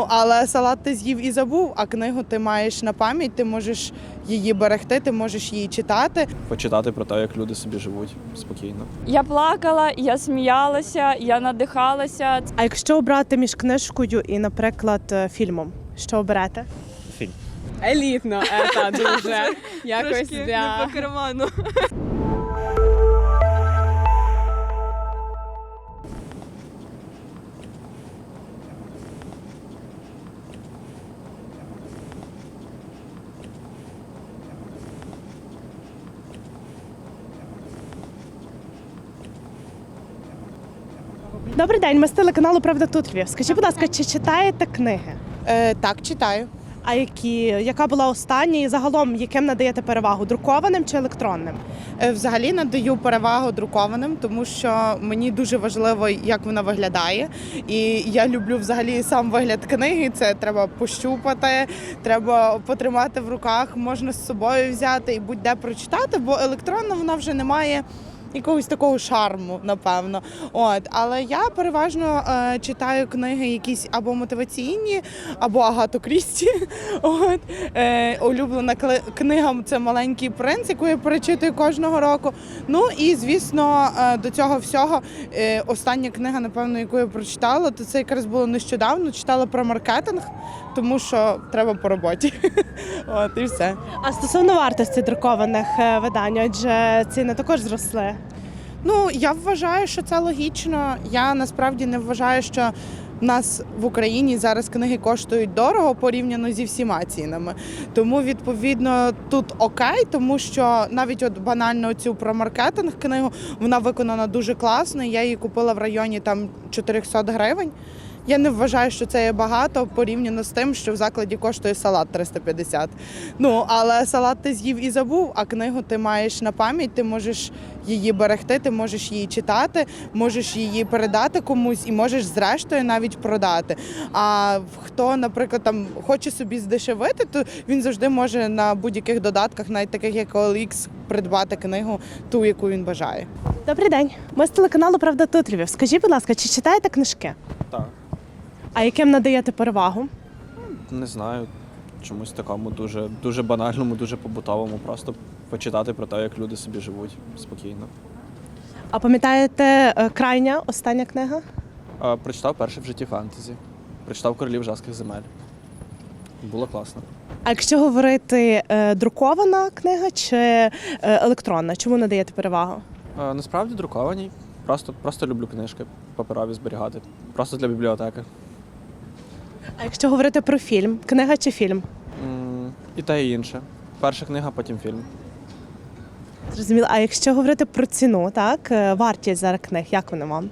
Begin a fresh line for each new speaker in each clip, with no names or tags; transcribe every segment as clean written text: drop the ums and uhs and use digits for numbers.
але салат ти з'їв і забув, а книгу ти маєш на пам'ять, ти можеш її берегти, ти можеш її читати.
Почитати про те, як люди собі живуть спокійно.
Я плакала, я сміялася, я надихалася.
А якщо обрати між книжкою і, наприклад, фільмом, що оберете?
Фільм.
Елітно, дуже. Якось
не по карману.
Добрий день, ми з телеканалу «Правда тут Львів». Скажіть, будь ласка, чи читаєте книги?
Так, читаю.
А яка була остання і загалом яким надаєте перевагу? Друкованим чи електронним?
Взагалі надаю перевагу друкованим, тому що мені дуже важливо, як вона виглядає. І я люблю взагалі сам вигляд книги. Це треба пощупати, треба потримати в руках, можна з собою взяти і будь-де прочитати, бо електронна вона вже не має якогось такого шарму, напевно. Але я переважно читаю книги якісь або мотиваційні, або Агату Крісті. Улюблена книга – це «Маленький принц», яку я перечитую кожного року. Ну і, звісно, до цього всього остання книга, напевно, яку я прочитала, то це якраз було нещодавно, читала про маркетинг, тому що треба по роботі. І все.
А стосовно вартості друкованих видань, адже ціни також зросли.
Ну, я вважаю, що це логічно. Я насправді не вважаю, що в нас в Україні зараз книги коштують дорого порівняно зі всіма цінами. Тому, відповідно, тут окей, тому що навіть от банально цю про маркетинг книгу, вона виконана дуже класно. Я її купила в районі там 400 гривень. Я не вважаю, що це є багато порівняно з тим, що в закладі коштує салат 350. Але салат ти з'їв і забув, а книгу ти маєш на пам'ять, ти можеш її берегти, ти можеш її читати, можеш її передати комусь і можеш зрештою навіть продати. А хто, наприклад, там хоче собі здешевити, то він завжди може на будь-яких додатках, навіть таких як OLX, придбати книгу ту, яку він бажає.
Добрий день, ми з телеканалу «Правда тут Львів». Скажіть, будь ласка, чи читаєте книжки?
Так.
А яким надаєте перевагу?
Не знаю, чомусь такому дуже банальному, дуже побутовому. Просто почитати про те, як люди собі живуть спокійно.
А пам'ятаєте крайня, остання книга?
Прочитав перше в житті фентезі. Прочитав «Королів жаских земель». Було класно.
А якщо говорити друкована книга чи електронна, чому надаєте перевагу?
Насправді друковані. Просто люблю книжки паперові зберігати. Просто для бібліотеки.
А якщо говорити про фільм, книга чи фільм?
І те, і інше. Перша книга, потім фільм.
Зрозуміло. А якщо говорити про ціну, так, вартість зараз книг, як вони вам?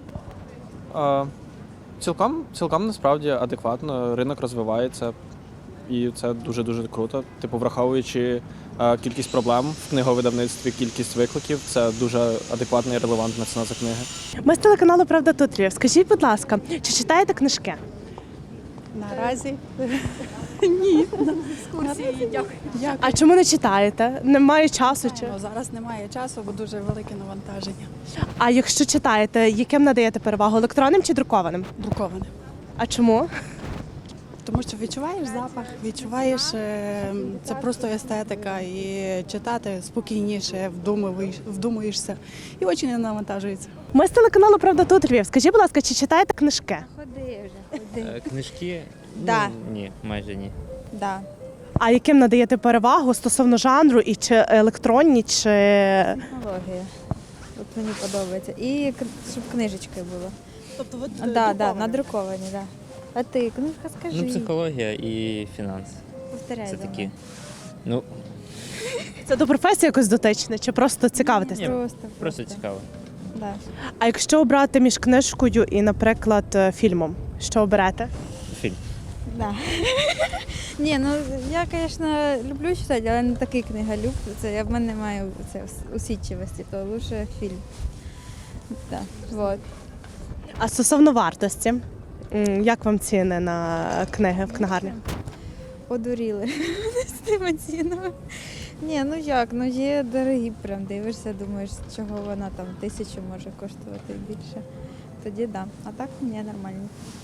Цілком насправді адекватно. Ринок розвивається. І це дуже-дуже круто. Враховуючи кількість проблем в книговидавництві, кількість викликів, це дуже адекватна і релевантна ціна за книги.
Ми з телеканалу «Правда тут Львів». Скажіть, будь ласка, чи читаєте книжки?
Наразі ні. Екскурсії, дякую.
А чому не читаєте? Немає часу? Чи?
Зараз немає часу, бо дуже велике навантаження.
А якщо читаєте, яким надаєте перевагу? Електронним чи друкованим?
Друковане.
А чому?
Тому що відчуваєш запах, відчуваєш, це просто естетика, і читати спокійніше, вдумуєшся, і очі не навантажуються.
Ми з телеканалу «Правда тут Львів». Скажіть, будь ласка, чи читаєте книжки?
Книжки?
Да.
Ні, майже ні.
Да.
А яким надаєте перевагу стосовно жанру, і чи електронні, чи...
Технологія. От мені подобається. І щоб книжечки було.
Тобто
надруковані, да. А ти, книжка, скажи.
Психологія і фінанс.
Повторяй
Це
за
такі.
мною.
Це до професії якось дотичне, чи просто цікавитесь?
Ні.
Просто.
Просто цікаво.
Да.
А якщо обрати між книжкою і, наприклад, фільмом, що оберете?
Фільм.
Да. Ні, я, звісно, люблю читати, але не такий книголюб. В мене немає усидчивості, то лучше фільм. Да. Вот.
А стосовно вартості, як вам ціни на книги в книгарні?
Одуріли з тими цінами. Ні, є дорогі, прям дивишся, думаєш, чого вона там 1000 може коштувати більше. Тоді да. А так ні, нормально.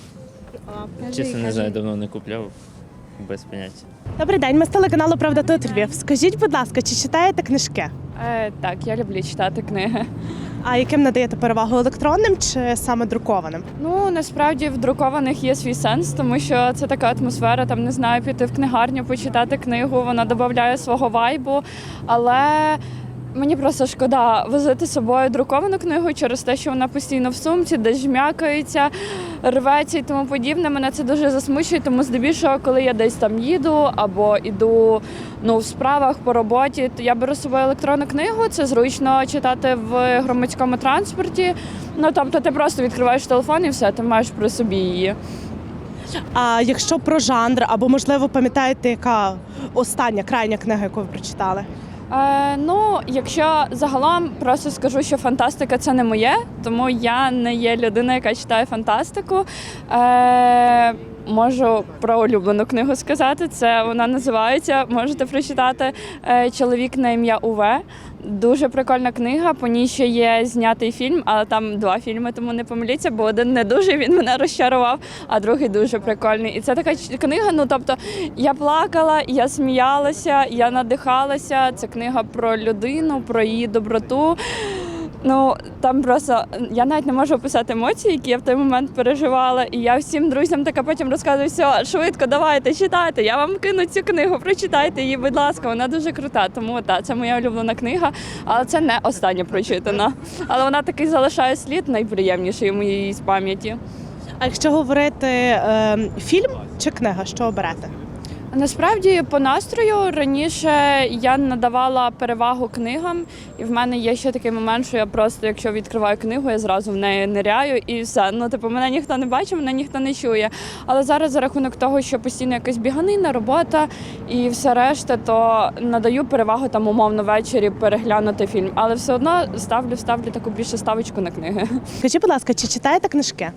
Чесно, не знаю, давно не купляв, без поняття.
Добрий день, ми з телеканалу Правда тут Львів. Скажіть, будь ласка, чи читаєте книжки?
Так, я люблю читати книги.
А яким надаєте перевагу електронним чи саме друкованим?
Ну, насправді в друкованих є свій сенс, тому що це така атмосфера, там, не знаю, піти в книгарню, почитати книгу, вона додає свого вайбу, але мені просто шкода возити з собою друковану книгу через те, що вона постійно в сумці, десь жмякається, рветься і тому подібне. Мене це дуже засмучує, тому здебільшого, коли я десь там їду або іду в справах по роботі, то я беру з собою електронну книгу. Це зручно читати в громадському транспорті. Тобто ти просто відкриваєш телефон і все, ти маєш при собі її.
А якщо про жанр, або, можливо, пам'ятаєте, яка остання, крайня книга, яку ви прочитали?
Якщо загалом просто скажу, що фантастика це не моє, тому я не є людина, яка читає фантастику. Можу про улюблену книгу сказати. Це вона називається, можете прочитати, «Чоловік на ім'я Уве». Дуже прикольна книга, по ній ще є знятий фільм, але там 2 фільми, тому не помиліться, бо один не дуже, він мене розчарував, а другий дуже прикольний. І це така книга, тобто я плакала, я сміялася, я надихалася. Це книга про людину, про її доброту. Там просто, я навіть не можу описати емоції, які я в той момент переживала. І я всім друзям така потім розказую, все, швидко, давайте, читайте, я вам кину цю книгу, прочитайте її, будь ласка, вона дуже крута. Тому це моя улюблена книга, але це не остання прочитана. Але вона такий залишає слід найприємніший у моїй з пам'яті.
А якщо говорити фільм чи книга, що оберете?
Насправді, по настрою, раніше я надавала перевагу книгам, і в мене є ще такий момент, що я просто, якщо відкриваю книгу, я зразу в неї ниряю і все. Мене ніхто не бачить, мене ніхто не чує. Але зараз за рахунок того, що постійно якась біганина, робота і все решта, то надаю перевагу там умовно ввечері переглянути фільм. Але все одно ставлю таку більше ставочку на книги.
Скажіть, будь ласка, чи читаєте книжки?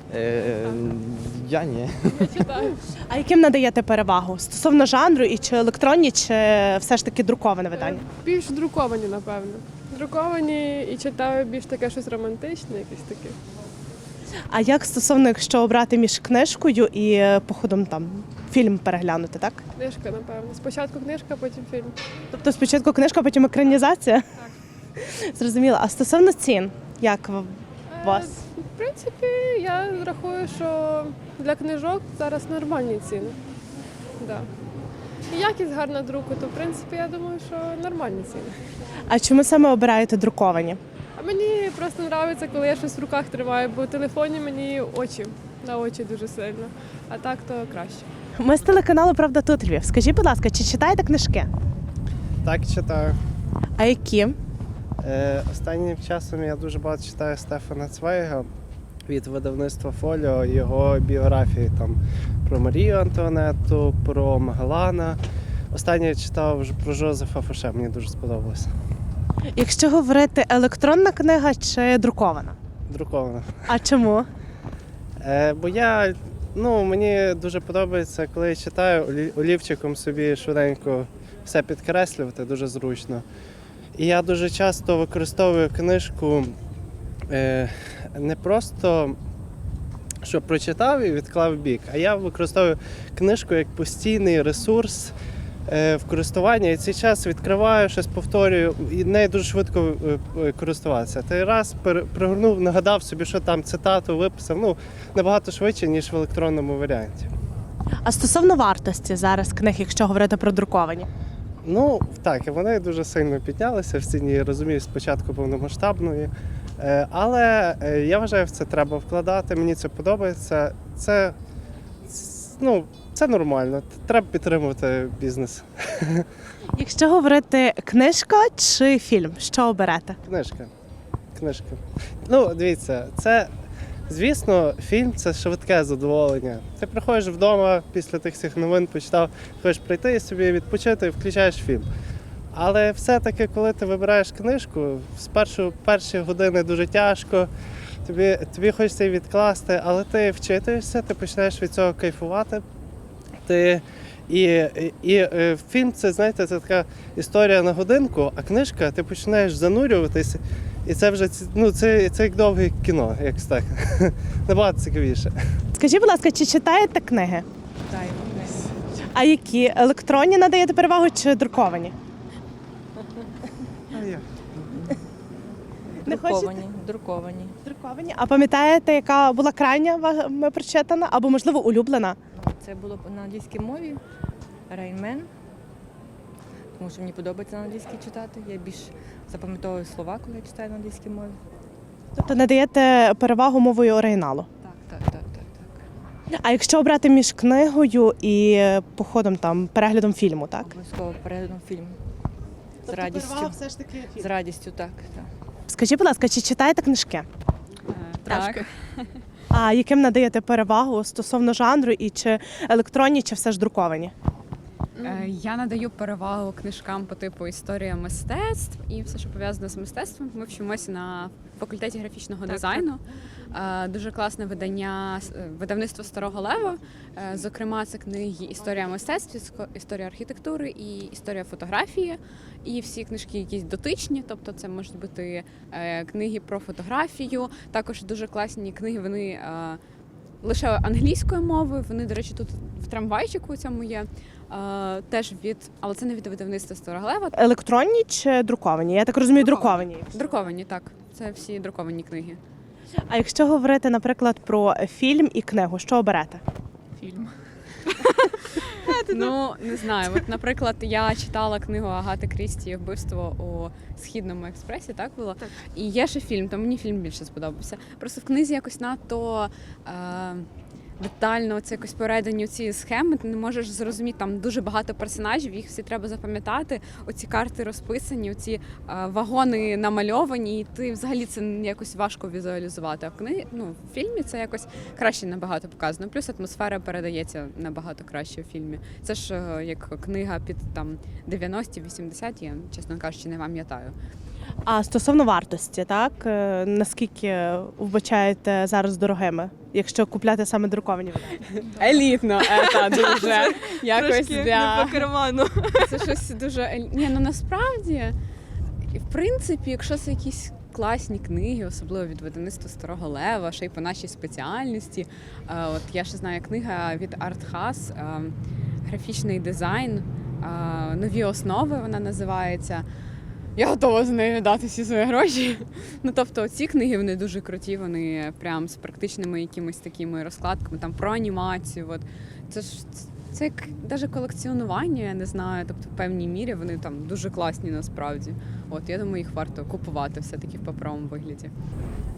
Я ні.
А яким надаєте перевагу? Стосовно жанру, і чи електронні, чи все ж таки друковане видання?
Більш друковані, напевно. Друковані і читаю більш таке щось романтичне, якесь таке.
А як стосовно, якщо обрати між книжкою і походом там фільм переглянути, так?
Книжка, напевно. Спочатку книжка, потім фільм.
Тобто спочатку книжка, потім екранізація? Так. Зрозуміло. А стосовно цін, як у вас?
В принципі, я рахую, що для книжок зараз нормальні ціни. Да. І якість гарна друку, то в принципі я думаю, що нормальні ціни.
А чому саме обираєте друковані?
А мені просто подобається, коли я щось в руках тримаю, бо в телефоні мені на очі дуже сильно, а так то краще.
Ми з телеканалу Правда тут Львів. Скажіть, будь ласка, чи читаєте книжки?
Так, читаю.
А які?
Останнім часом я дуже багато читаю Стефана Цвейга від видавництва Фоліо, його біографії там про Марію Антуанетту, про Магеллана. Останнє я читав про Жозефа Фоше, мені дуже сподобалося.
Якщо говорити, електронна книга чи друкована?
Друкована.
А чому?
Бо мені дуже подобається, коли я читаю, олівчиком собі швиденько все підкреслювати, дуже зручно. І я дуже часто використовую книжку не просто, щоб прочитав і відклав в бік, а я використовую книжку як постійний ресурс в користуванні. І цей час відкриваю, щось повторюю, і нею дуже швидко користуватися. Ти раз пригорнув, нагадав собі, що там цитату виписав, набагато швидше, ніж в електронному варіанті.
А стосовно вартості зараз книг, якщо говорити про друковані?
Так, вони дуже сильно піднялися в ціні, розумію, спочатку повномасштабної. Але я вважаю, в це треба вкладати, мені це подобається. Це нормально, треба підтримувати бізнес.
Якщо говорити книжка чи фільм, що оберете?
Книжка. Дивіться, звісно, фільм – це швидке задоволення. Ти приходиш вдома після тих всіх новин, почитав, хочеш прийти і собі відпочити і включаєш фільм. Але все-таки, коли ти вибираєш книжку, перші години дуже тяжко, тобі хочеться її відкласти, але ти вчитуєшся, ти починаєш від цього кайфувати. І фільм – це, знаєте, це така історія на годинку, а книжка, ти починаєш занурюватись, і це вже це як довге кіно, якось так. Набагато цікавіше.
Скажіть, будь ласка, чи читаєте книги?
Читаю.
А які? Електронні надаєте перевагу чи друковані? Не хочете?
Друковані.
Друковані. А пам'ятаєте, яка була крайня вами прочитана або, можливо, улюблена?
Це було на англійській мові. Рейнмен. Тому що мені подобається на англійській читати. Я більш запам'ятовую слова, коли я читаю на англійській мові.
Тобто надаєте перевагу мовою оригіналу.
Так.
А якщо обрати між книгою і походом там, переглядом фільму, так?
Обов'язково переглядом фільму. З
Тобто
радістю.
все ж таки
З радістю, так.
Скажіть, будь ласка, чи читаєте книжки?
Так.
А яким надаєте перевагу стосовно жанру і чи електронні, чи все ж друковані?
Я надаю перевагу книжкам по типу історія мистецтв і все, що пов'язане з мистецтвом. Ми вчимося на факультеті графічного дизайну. Дуже класне видання видавництво Старого Лева. Зокрема, це книги Історія мистецтв, історія архітектури і історія фотографії. І всі книжки якісь дотичні, тобто це можуть бути книги про фотографію. Також дуже класні книги, вони лише англійською мовою. Вони, до речі, тут в трамвайчику у цьому є. Теж але це не від видавництва Старого Лева.
Електронні чи друковані? Я так розумію, друковані.
Друковані, так. Це всі друковані книги.
А якщо говорити, наприклад, про фільм і книгу, що оберете?
Фільм. Ну, не знаю. От, наприклад, я читала книгу Агати Крісті «Вбивство у Східному експресі», так було? Так. І є ще фільм, то мені фільм більше сподобався. Просто в книзі якось надто детально це якось передані ці схеми, ти не можеш зрозуміти, там дуже багато персонажів, їх всі треба запам'ятати, оці карти розписані, оці вагони намальовані, і ти взагалі це якось важко візуалізувати. А в фільмі це якось краще набагато показано. Плюс атмосфера передається набагато краще у фільмі. Це ж як книга під там 90-80, я, чесно кажучи, не пам'ятаю.
А стосовно вартості, так? Наскільки вбачаєте зараз дорогими, якщо купляти саме друковані видання?
Елітно, дуже. Якось
не по карману.
Це щось дуже насправді, в принципі, якщо це якісь класні книги, особливо від видавництва Старого Лева, ще й по нашій спеціальності. От я ще знаю книга від Артхас, графічний дизайн, нові основи вона називається. Я готова за нею дати всі свої гроші. Тобто ці книги, вони дуже круті, вони прям з практичними якимись такими розкладками, там про анімацію. От. Це як навіть колекціонування, я не знаю, тобто в певній мірі вони там дуже класні насправді. От, я думаю, їх варто купувати все-таки в паперовому вигляді.